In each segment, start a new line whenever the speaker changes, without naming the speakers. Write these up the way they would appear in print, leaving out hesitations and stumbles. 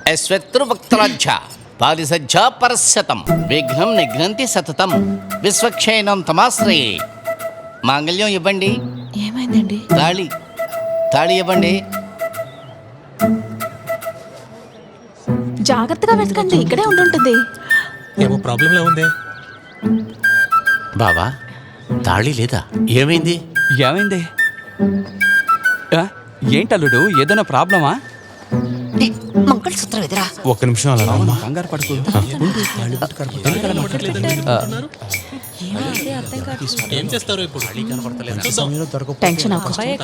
యశ్వత్రువక్త్రాజ్య పారిసజ్జ పరశతం విఘ్నం నిఘ్నంతి సతతం విశ్వక్షయనం తమాశ్రయే. మాంగళ్యం ఇవ్వండి.
ఏమైందండి?
తాళి ఇవ్వండి.
జాగ్రత్తగా వెతకండి, ఇక్కడే ఉండుంటుంది.
ఏమో ప్రాబ్లంలా ఉంది.
బావా తాళి లేదా? ఏమైంది?
ఏంటల్లుడు, ఏదైనా ప్రాబ్లమా?
మంగళసూత్రం ఎదురా.
ఒక్క నిమిషం అలా రామ్మా.
కంగారు పడుకో.
ఏం చేస్తారు ఇప్పుడు?
టెన్షన్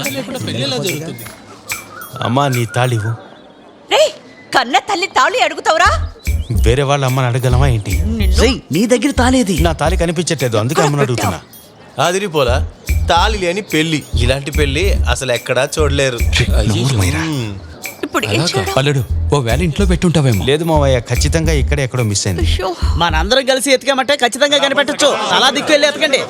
అమ్మా నీ తాళివు.
కన్న తల్లి తాళి అడుగుతావురా?
వేరే వాళ్ళ అమ్మని అడగలమా ఏంటి?
నీ దగ్గర తాళేది?
నా తాళి కనిపించట్లేదు, అందుకే అమ్మని అడుగుతున్నా.
అదిరిపోలా తాళి లేని పెళ్లి. ఇలాంటి పెళ్లి అసలు ఎక్కడా చూడలేరు.
ఇప్పుడు
అల్లుడు, ఓ వేళ ఇంట్లో పెట్టుంటావేమో.
లేదు మావయ్య, ఖచ్చితంగా ఇక్కడే ఎక్కడో మిస్ అయింది.
మనందరం కలిసి ఎతికామంటే ఖచ్చితంగా కనిపెట్టచ్చు. అలా దిక్కు వెళ్ళి ఎతకండి.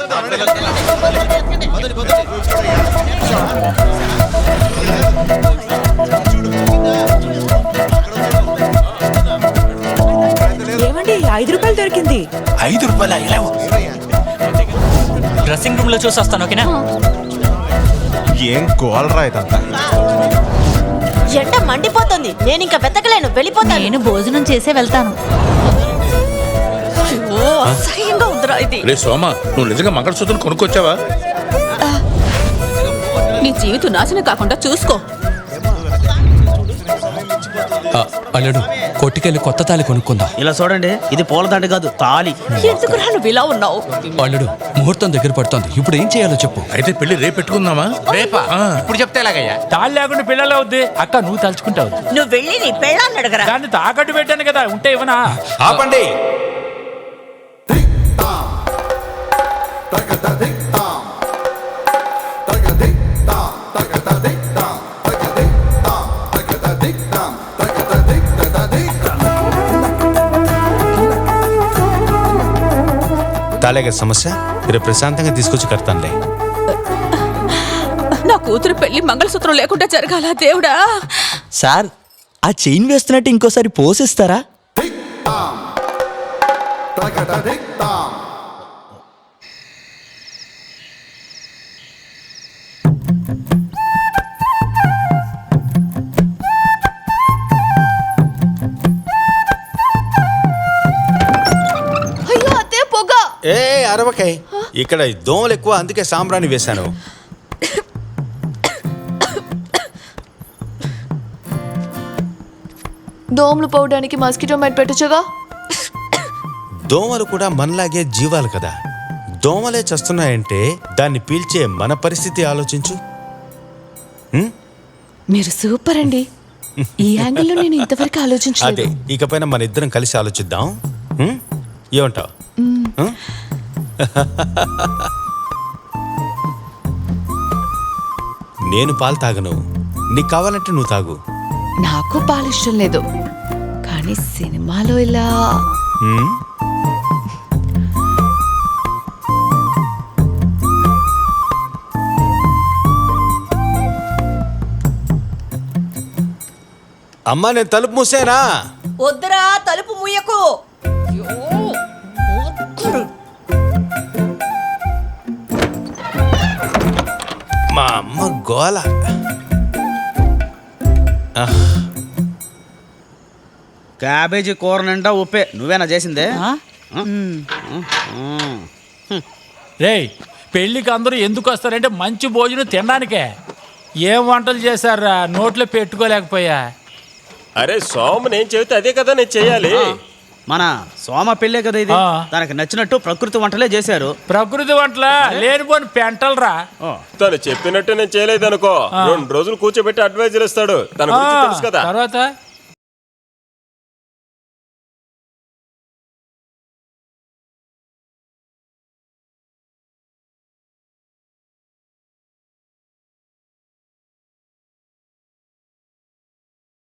ఏమండి, 5 రూపాయలు దొరికింది.
5 రూపాయల
డ్రెస్సింగ్ రూమ్ లో చూసి వస్తాను, ఓకేనా?
ఏం గోల్రా ఇదంతా.
ఎండ మండిపోతుంది, నేను ఇంకా వెతకలేను, వెళ్ళిపోతాను. నేను భోజనం చేసే వెళ్తాను. అసహ్యంగా ఉందిరా ఇది.
రే సోమ, నువ్వు నిజంగా మంగళసూత్రం కొనుక్కొచ్చావా?
నీ జీవితం నాశనం కాకుండా చూసుకో.
అల్లుడు, కొట్టుకెళ్ళి కొత్త తాళి కొనుక్కుందాం.
ఇలా చూడండి, ఇది పూలదండ కాదు, తాళి.
ఎందుకు నువ్వు ఇలా ఉన్నావు?
అల్లుడు, ముహూర్తం దగ్గర పడుతోంది, ఇప్పుడు ఏం చేయాలో చెప్పు.
అయితే పెళ్లి రేపు పెట్టుకుందామా?
రేపా? ఇప్పుడు చెప్తే ఎలాగయ్యా?
తాళ్ళు లేకుండా పిల్లలు అవుద్ది అక్క, నువ్వు తలుచుకుంటావు.
నువ్వు వెళ్ళి నీ పెళ్ళాన్ని అడగరా.
దాన్ని తాకట్టు పెట్టాను కదా, ఉంటే ఇవ్వనా?
ఆపండి. తాళేగా సమస్య, రేపు ప్రశాంతంగా తీసుకొచ్చి కడతానులే.
నా కూతురు పెళ్లి మంగళసూత్రం లేకుండా జరగాల దేవుడా.
సార్, ఆ చైన్ వేస్తున్నట్టు ఇంకోసారి పోసిస్తారా?
అయ్యో అదే పొగ.
ఏ అరవకాయ్, ఇక్కడ దోమలు ఎక్కువ, అందుకే సాంబ్రాణి వేశాను.
దోమలు పోవడానికి మస్కిటో మైట్ పెట్టొచ్చుగా.
దోమలు కూడా మనలాగే జీవాలు కదా. దోమలే చస్తున్నాయంటే దాన్ని పీల్చే మన పరిస్థితి ఆలోచించు.
మీరు సూపర్ అండి. ఈ యాంగిల్లో నేను ఇంతవరకు ఆలోచించలేదు.
అదే, ఇకపైన మన ఇద్దరం కలిసి ఆలోచిద్దాం. ఏమంటావు? నేను పాలు తాగను, నీకు కావాలంటే నువ్వు తాగు.
నాకు పాలు ఇష్టం లేదు, కానీ సినిమాలో ఇలా
అమ్మా, నేను తలుపు మూసేనా?
వద్దురా, తలుపు ముయ్యకు.
మా అమ్మ గోల.
క్యాబేజీ కూర నిండా ఉప్పే. నువ్వేనా చేసిందే?
రేయ్, పెళ్లికి అందరూ ఎందుకు వస్తారంటే మంచి భోజనం తినడానికే. ఏం వంటలు చేశారా, నోట్లో పెట్టుకోలేకపోయా.
అరే సోమ, నేను చెబితే అదే కదా నేను చెయ్యాలి.
మన సోమ పెళ్ళే కదా ఇది. తనకి నచ్చినట్టు ప్రకృతి వంటలే చేశారు.
ప్రకృతి వంటలా? లేనిపోని పెంటలరా.
తను చెప్పినట్టు నేను చేయలేదు అనుకో, 2 రోజులు కూర్చోబెట్టి అడ్వైజర్ ఇస్తాడు. తన గురించి తెలుసు కదా.
తర్వాత